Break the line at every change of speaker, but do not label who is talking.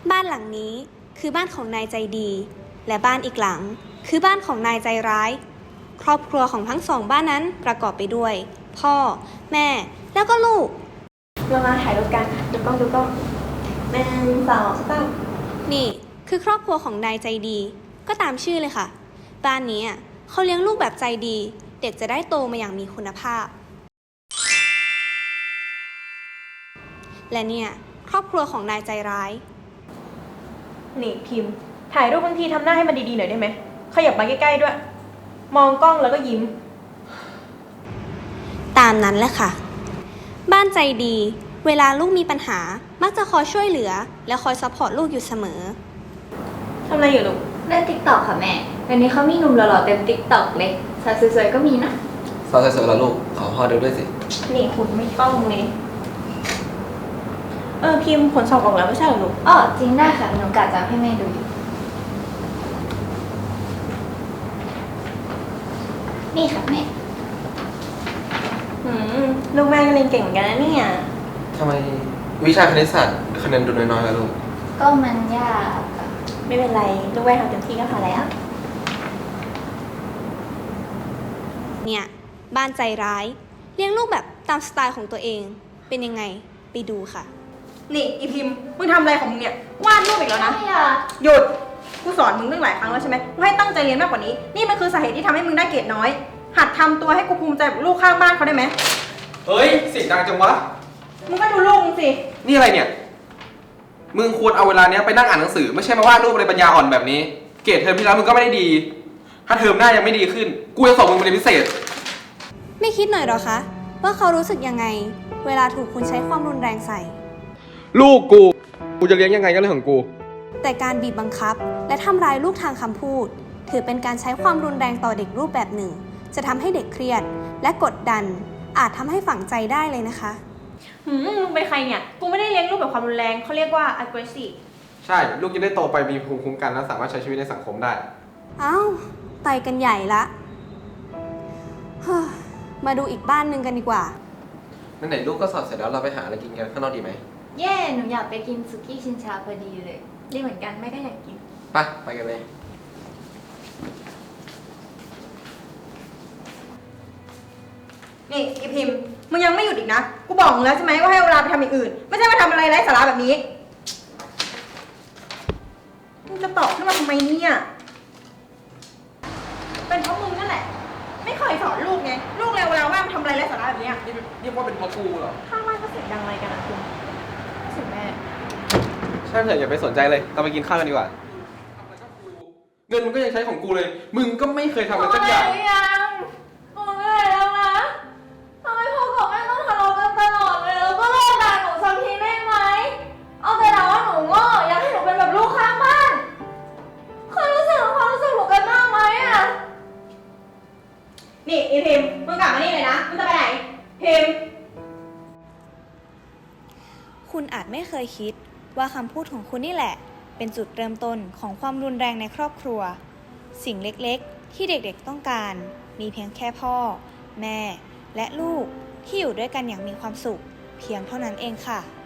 บ้านหลังนี้คือบ้านของนายใจดีและบ้านอีกหลังคือบ้านของนายใจร้ายครอบครัวของทั้งสองบ้านนั้นประกอบไปด้วยพ่อแม่แล้วก็ลูก
เรามาถ่ายรูปกันดูกล้อง1 2 3
นี่คือครอบครัวของนายใจดีก็ตามชื่อเลยค่ะบ้านนี้เขาเลี้ยงลูกแบบใจดีเด็กจะได้โตมาอย่างมีคุณภาพและเนี่ยครอบครัวของนายใจร้าย
นี่พิมพ์ถ่ายรูปบางทีทำหน้าให้มันดีๆหน่อยได้ไหมขยับมาใกล้ๆด้วยมองกล้องแล้วก็ยิ้ม
ตามนั้นแหละค่ะบ้านใจดีเวลาลูกมีปัญหามักจะคอยช่วยเหลือและคอยซัพพอร์ตลูกอยู่เสมอ
ทำอะไรอยู่ลูก
เล่นติ๊กต็อกค่ะแม่เดี๋ยวนี้เขามีหนุ่มหล่อๆเต็มติ๊กต็อกเลยสาวสวยๆก็มีนะ
สาวสวยๆแล้วลูกขอพ่อดูด้วยสิ
นี่คุณไม่ต้องเลยพิมพ์ผลสอบออกแล้วไม่ใช่เหรอลูก
อ๋อจริงได้ค่ะหนูกะจะให้แม่ดูอยู่นี่ค่ะแม่
ลูกแม่ก็เรียนเก่งเหมือนกันนะเนี่ย
ทำไมวิชาคณิตศาสตร์คะแนนดูน้อยๆแล้วลูก
ก็มันยาก
ไม่เป็นไรลูกแม่ทำเต็มที่ก็พอแล้ว
เนี่ยบ้านใจร้ายเลี้ยงลูกแบบตามสไตล์ของตัวเองเป็นยังไงไปดูค่ะ
นี่อีพิมพ์มึงทำอะไรของมึงเนี่ยวาดรูปอีกแล้วนะหยุดกูสอนมึงตั้งหลายครั้งแล้วใช่ไหมกูให้ตั้งใจเรียนมากกว่านี้นี่มันคือสาเหตุที่ทำให้มึงได้เกรดน้อยหัดทำตัวให้กูภูมิใจกับลูกข้างบ้านเขาได้ไหม
เฮ้ยเสียงดังจังวะ
มึงก็ดูลูกมึงสิ
นี่อะไรเนี่ยมึงควรเอาเวลาเนี้ยไปนั่งอ่านหนังสือไม่ใช่มาวาดรูปอะไรปัญญาอ่อนแบบนี้เกรดเทอมที่แล้วมึงก็ไม่ได้ดีถ้าเทอมหน้ายังไม่ดีขึ้นกูจะส่งมึงไปเรียนพิเศษ
ไม่คิดหน่อยหรอคะว่าเขารู้สึกยังไงเวลาถูกคุณใช้ความรุนแรงใส่
ลูกกูจะเลี้ยงยังไงก็เรื่องของกู
แต่การบีบบังคับและทำร้ายลูกทางคำพูดถือเป็นการใช้ความรุนแรงต่อเด็กรูปแบบหนึ่งจะทำให้เด็กเครียดและกดดันอาจทำให้ฝังใจได้เลยนะคะ
มึงเป็นใครเนี่ยกูไม่ได้เลี้ยงลูกแบบความรุนแรงเขาเรียกว่า aggressive
ใช่ลูกจะได้โตไปมีภูมิคุ้มกันและสามารถใช้ชีวิตในสังคมได้
อ้าวไปกันใหญ่ละมาดูอีกบ้านหนึ่งกันดีกว่า
ไหนๆลูกก็สอบเสร็จแล้วเราไปหาอะไรกินกันข้างนอกดีไหม
เย่หนูอยากไปกินสุกี้ชินชาพอดีเลย
ดีเหมือนกันแม่ก็อยากกิน
ไปกันเลย
นี่อีพิมพ์มึงยังไม่หยุดอีกนะกูบอกมึงแล้วใช่ไหมว่าให้เวลาไปทำอย่างอื่นไม่ใช่มาทำอะไรไร้สาระแบบนี้มึงจะตอบขึ้นมาทำไมเนี่ยเป็นเพราะมึงนั่นแหละไม่เคยสอนลูกไงลูกเร็วเวลาว่างทำอะไรไร้สาระแบบนี้
นี่เรียกว่าเป็นเพราะกูเหรอ
ข้างบ้านก็เสียงดังอะไรกันนะคุณเสียงแม่
ใช่เถอะอย่าไปสนใจเลยเราไปกินข้าวกันดีกว่าเงินมันก็ยังใช้ของกูเลยมึงก็ไม่เคยทำอะไรสักอย่าง
หนูเหนื่อยแล้วนะทำไมพ่อกับแม่ต้องทะเลาะกันตลอดเลยแล้วก็เลิกด่าหนูสักทีได้ไหมเอาแต่ด่าว่าหนูโง่อยากให้หนูเป็นแบบลูกข้างบ้านเคยรู้สึกความรู้สึกหนูกันบ้างไหม
นี่อีพิมมึงกลับมานี่เลยนะมึงจะไปไหนพิม
คุณอาจไม่เคยคิดว่าคำพูดของคุณนี่แหละเป็นจุดเริ่มต้นของความรุนแรงในครอบครัวสิ่งเล็กๆที่เด็กๆต้องการมีเพียงแค่พ่อแม่และลูกที่อยู่ด้วยกันอย่างมีความสุขเพียงเท่านั้นเองค่ะ